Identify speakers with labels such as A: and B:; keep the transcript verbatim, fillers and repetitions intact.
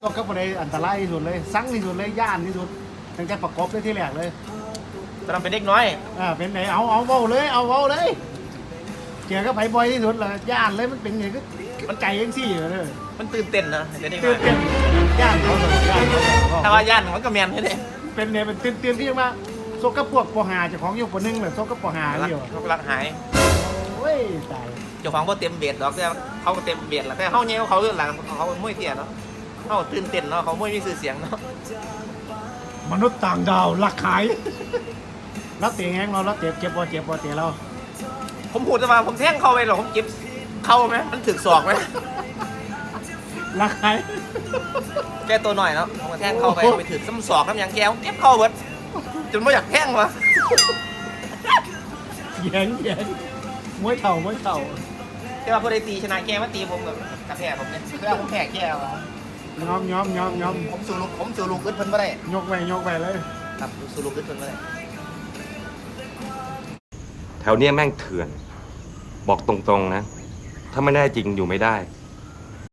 A: ก็ก็ประเด็นอันตรายที่สุดเลยสั่งที่สุดเลยย่านที่สุดตั้งแต่ประกอบเลยที่แรกเลย
B: ตอนนั้นเป็นเด็กน้อย
A: อ่าเป็นไหนเอาเอาเว้าเลยเอาเว้าเลยเกี่ยวกับไผบ่อยที่สุดเลยย่านเลยมันเป็นไงก็มันใจยังซี่เลย
B: มันตื่นเต้นนะเดี๋ยวนี้
A: ตื่นเต้นย่านเขาเลยย่านเขาเลย
B: ถ้าว่าย่านมันก็แมนให้เลย
A: เป็นเนี่ยเป็นตื่นเต้นที่มาโซกับพวกปหาเจ้าของอยู่ปหนึ่งเลยโซกับปหา
B: รัก
A: เดียว
B: เขารักหาย
A: โอ้ยตาย
B: เจ้าของเขาเต็มเบียดดอกแต่เขาก็เต็มเบียดแหละแต่เขาเนี่ยเขาเรื่องหลังเขามวยเตี้ยเนาะเขาตื่นเต้นเนาะเขามวยมีชื่อเสียงเนาะ
A: มนุษย์ต่างดาวหลักขายรับเตะแห้งเรารับเตะเจ็บบ่เจ็บบ่เตะเรา
B: ผมพูดจะมาผมแท่งเข้าไปหรอผมเก็บเข้าไหมมันถึกศอกไหม
A: หลักขาย
B: แกตัวหน่อยเนาะผมก็แท่งเข้าไปไปถึกซ้ำศอกน้ำยางแก้วเก็บเข้าเบิดจนไม่อยากแท่งวะ
A: แยงแยงมวยเข่ามวยเข่า
B: แต่ว่าพอได้ตีชนะแกมาตีผมกับกระแทกผมเนี่ยคือผมแพ้แกวะ
A: ย้อมย้อมย้อมย้อม
B: ผมสู่ลูกผมสู่ลูกอึดเพิ่นไม่ได้
A: ยกไปยกไปเลย
B: ครับสู่ลูกอึดเพิ่นไม่ได้
C: แถวเนี้ยแม่งเถื่อน บอกตรงๆนะ ถ้าไม่แน่จริงอยู่ไม่ได้